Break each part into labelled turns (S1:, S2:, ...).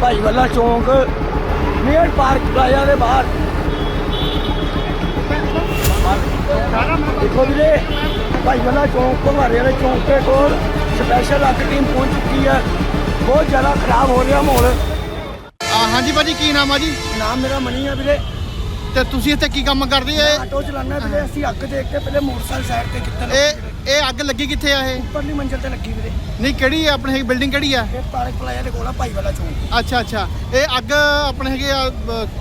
S1: ਭਾਈਵਾਲਾ ਚੌਂਕ near park plaza ਦੇ ਬਾਹਰ। ਦੇਖੋ ਵੀਰੇ, ਭਾਈਵਾਲਾ ਚੌਂਕ ਘੁਮਾਰੇ ਵਾਲੇ ਚੌਂਕ ਦੇ ਕੋਲ ਸਪੈਸ਼ਲ ਅੱਗ ਟੀਮ ਪਹੁੰਚ ਚੁੱਕੀ ਹੈ। ਬਹੁਤ ਜ਼ਿਆਦਾ ਖਰਾਬ ਹੋ ਰਿਹਾ ਮਾਹੌਲ।
S2: ਹਾਂਜੀ ਭਾਜੀ, ਕੀ ਨਾਮ ਆ ਜੀ?
S1: ਨਾਮ ਮੇਰਾ ਮਨੀ ਆ ਵੀਰੇ।
S2: ਤੇ ਤੁਸੀਂ ਇੱਥੇ ਕੀ ਕੰਮ ਕਰਦੇ
S1: ਮੈਂ ਆਟੋ ਚਲਾਉਂਦਾ ਵੀਰੇ। ਅਸੀਂ ਅੱਗ ਦੇਖ ਕੇ ਪਹਿਲੇ ਮੋਟਰਸਾਈਕਲ ਸਾਈਡ ਤੇ ਕੀਤਾ।
S2: ਇਹ ਅੱਗ ਲੱਗੀ ਕਿੱਥੇ ਆ? ਇਹ
S1: ਉੱਪਰਲੀ ਮੰਜ਼ਿਲ ਤੇ ਲੱਗੀ ਵੀਰੇ।
S2: ਨਹੀਂ, ਕਿਹੜੀ ਆ ਆਪਣੇ ਬਿਲਡਿੰਗ ਕਿਹੜੀ ਆ?
S1: ਇਹ ਪਾਰਕ ਪਲਾਜ਼ਾ ਦੇ ਕੋਲ ਆ ਭਾਈਵਾਲਾ ਚੌਂਕ।
S2: ਅੱਛਾ, ਇਹ ਅੱਗ ਆਪਣੇ ਹੈਗੇ ਆ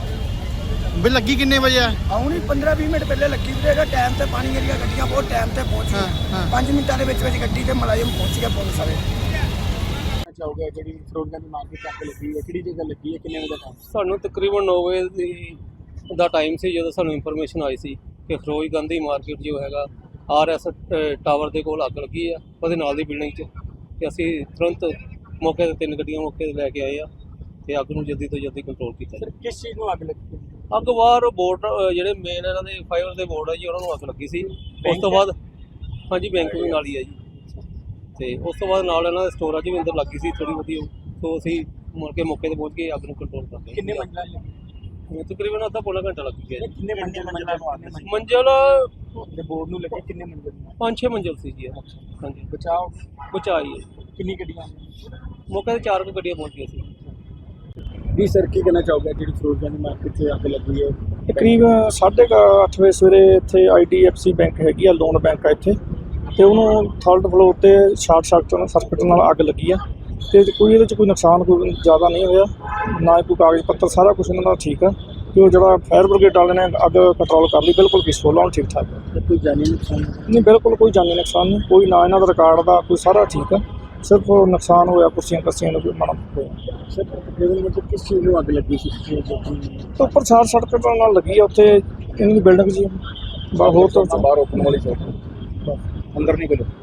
S2: ਵੀ ਲੱਗੀ ਕਿੰਨੇ ਵਜੇ ਆ?
S1: ਆਉਣੀ 15-20 ਮਿੰਟ ਪਹਿਲੇ ਲੱਗੀ ਵੀਰੇ। ਟਾਈਮ ਤੇ ਪਾਣੀ ਏਰੀਆ ਗੱਡੀਆਂ ਬਹੁਤ ਟਾਈਮ ਤੇ ਪਹੁੰਚ ਗਈਆਂ। 5 ਮਿੰਟਾਂ ਦੇ ਵਿੱਚ ਗੱਡੀ ਤੇ ਮੁਲਾਜ਼ਮ ਪਹੁੰਚ ਗਿਆ ਪੁਲਿਸ ਵਾਲੇ।
S3: ਚਾਹੋਗੇ ਜਿਹੜੀ ਫਰੋਜ਼ਾਂ ਦੀ ਮਾਰਕੀਟ ਚ ਅੱਗ ਲੱਗੀ ਹੈ, ਕਿਹੜੀ ਜਗ੍ਹਾ ਲੱਗੀ ਹੈ, ਕਿੰਨੇ ਵਜੇ ਦਾ ਟਾਈਮ?
S4: ਸਾਨੂੰ ਤਕਰੀਬਨ 9 ਵਜੇ ਦਾ ਟਾਈਮ ਸੀ ਜਦੋਂ ਸਾਨੂੰ ਇਨਫੋਰਮੇਸ਼ਨ ਆਈ ਸੀ ਕਿ ਖਰੋਜ ਗਾਂਧੀ ਮਾਰਕੀਟ ਜੋ ਹੈਗਾ RS ਟਾਵਰ ਦੇ ਕੋਲ ਅੱਗ ਲੱਗੀ ਆ, ਉਹਦੇ ਨਾਲ ਦੀ ਬਿਲਡਿੰਗ 'ਚ। ਤੇ ਅਸੀਂ ਤੁਰੰਤ ਮੌਕੇ 'ਤੇ 3 ਗੱਡੀਆਂ ਮੌਕੇ 'ਤੇ ਲੈ ਕੇ ਆਏ ਆ ਤੇ ਅੱਗ ਨੂੰ ਜਲਦੀ ਤੋਂ ਜਲਦੀ ਕੰਟਰੋਲ ਕੀਤਾ।
S3: ਸਰ, ਕਿਸ ਚੀਜ਼ ਨੂੰ ਅੱਗ ਲੱਗੀ?
S4: ਅੱਗ ਬਾਹਰ ਬੋਰਡ ਜਿਹੜੇ ਮੇਨ ਇਹਨਾਂ ਦੇ ਫਾਈਬਰ ਦੇ ਬੋਰਡ ਆ ਜੀ, ਉਹਨਾਂ ਨੂੰ ਅੱਗ ਲੱਗੀ ਸੀ। ਉਸ ਤੋਂ ਬਾਅਦ ਹਾਂਜੀ, ਬੈਂਕ ਵੀ ਨਾਲ ਹੀ ਆ ਜੀ। ਤੇ ਉਸ ਤੋਂ ਬਾਅਦ ਨਾਲ ਇਹਨਾਂ ਦੇ ਸਟੋਰਾਂ 'ਚ ਵੀ ਅੰਦਰ ਲੱਗੀ ਸੀ ਥੋੜ੍ਹੀ ਬਹੁਤੀ। ਸੋ ਅਸੀਂ ਮੁੜ ਕੇ ਮੌਕੇ 'ਤੇ ਪਹੁੰਚ ਕੇ ਅੱਗ ਨੂੰ ਕੰਟਰੋਲ ਕਰ ਲਿਆ।
S3: ਕਿੰਨੇ ਮੰਜ਼ਿਲਾਂ ਲੱਗੀ?
S4: ਤਕਰੀਬਨ ਅੱਧਾ ਪੌਣਾ ਘੰਟਾ ਲੱਗ ਗਿਆ ਜੀ।
S3: ਕਿੰਨੇ ਮੰਜ਼ਿਲਾਂ ਨੂੰ ਅੱਗ ਲੱਗੀ?
S4: ਮੰਜ਼ਿਲ
S3: ਤੇ ਬੋਰਡ ਨੂੰ ਲੱਗੇ ਕਿੰਨੇ ਮੰਜ਼ਿਲ?
S4: 5-6 ਮੰਜ਼ਿਲ ਸੀ ਜੀ ਇਹ। ਹਾਂਜੀ,
S3: ਬਚਾਓ
S4: ਬਚਾਈ ਹੈ।
S3: ਕਿੰਨੀ ਗੱਡੀਆਂ?
S4: ਮੌਕੇ 'ਤੇ 4 ਗੱਡੀਆਂ ਪਹੁੰਚ ਗਈਆਂ ਸੀ।
S3: ਜੀ ਸਰ, ਕੀ ਕਹਿਣਾ ਚਾਹੋਗੇ ਜਿਹੜੀ ਫਰੋਜ਼ਾਂ ਦੀ ਮਾਰਕੀਟ 'ਚ ਅੱਗ ਲੱਗੀ ਹੈ?
S5: ਤਕਰੀਬ 8:30 ਵਜੇ ਸਵੇਰੇ ਇੱਥੇ IDFC ਬੈਂਕ ਹੈਗੀ ਆ, ਲੋਨ ਬੈਂਕ ਆ ਇੱਥੇ, ਤੇ ਉਹਨੂੰ 3rd ਫਲੋਰ ਤੇ ਸ਼ਾਰਟ ਸਰਕਟ ਨਾਲ ਅੱਗ ਲੱਗੀ ਆ। ਤੇ ਕੋਈ ਇਹਦੇ 'ਚ ਕੋਈ ਨੁਕਸਾਨ ਕੋਈ ਜ਼ਿਆਦਾ ਨਹੀਂ ਹੋਇਆ, ਨਾ ਕੋਈ ਕਾਗਜ਼ ਪੱਤਰ, ਸਾਰਾ ਕੁਝ ਇਹਨਾਂ ਦਾ ਠੀਕ ਆ। ਤੇ ਉਹ ਜਿਹੜਾ ਫਾਇਰ ਬ੍ਰਿਗੇਡ ਵਾਲੇ ਨੇ ਅੱਗ ਕੰਟਰੋਲ ਕਰ ਲਈ, ਬਿਲਕੁਲ ਪੀਸਫੁਲ ਆ, ਹੁਣ ਠੀਕ ਠਾਕ ਹੈ।
S3: ਕੋਈ ਜਾਨੀ ਨੁਕਸਾਨ
S5: ਨਹੀਂ, ਬਿਲਕੁਲ ਕੋਈ ਜਾਨੀ ਨੁਕਸਾਨ ਨਹੀਂ, ਕੋਈ ਨਾ ਇਹਨਾਂ ਦਾ ਰਿਕਾਰਡ ਦਾ ਕੋਈ, ਸਾਰਾ ਠੀਕ ਆ। ਸਿਰਫ ਨੁਕਸਾਨ ਹੋਇਆ ਕੁਰਸੀਆਂ ਕੱਸੀਆਂ ਨੂੰ ਕੋਈ ਮਾੜਾ ਹੋਇਆ।
S3: ਸਰ, ਤਕਰੀਬਨ ਮਤਲਬ ਕਿਸ ਚੀਜ਼ ਨੂੰ ਅੱਗ ਲੱਗੀ ਸੀ?
S5: ਤੇ ਉੱਪਰ ਸ਼ਾਰਟ ਸਰਕਟ ਨਾਲ ਲੱਗੀ ਆ ਉੱਥੇ ਇਹਨਾਂ ਦੀ ਬਿਲਡਿੰਗ ਜੀ। ਹੋਰ ਤਾਂ
S3: ਬਾਹਰ ਓਪਨ ਵਾਲੀ ਸਾਈਡ ਅੰਦਰ ਨਹੀਂ ਗਏ।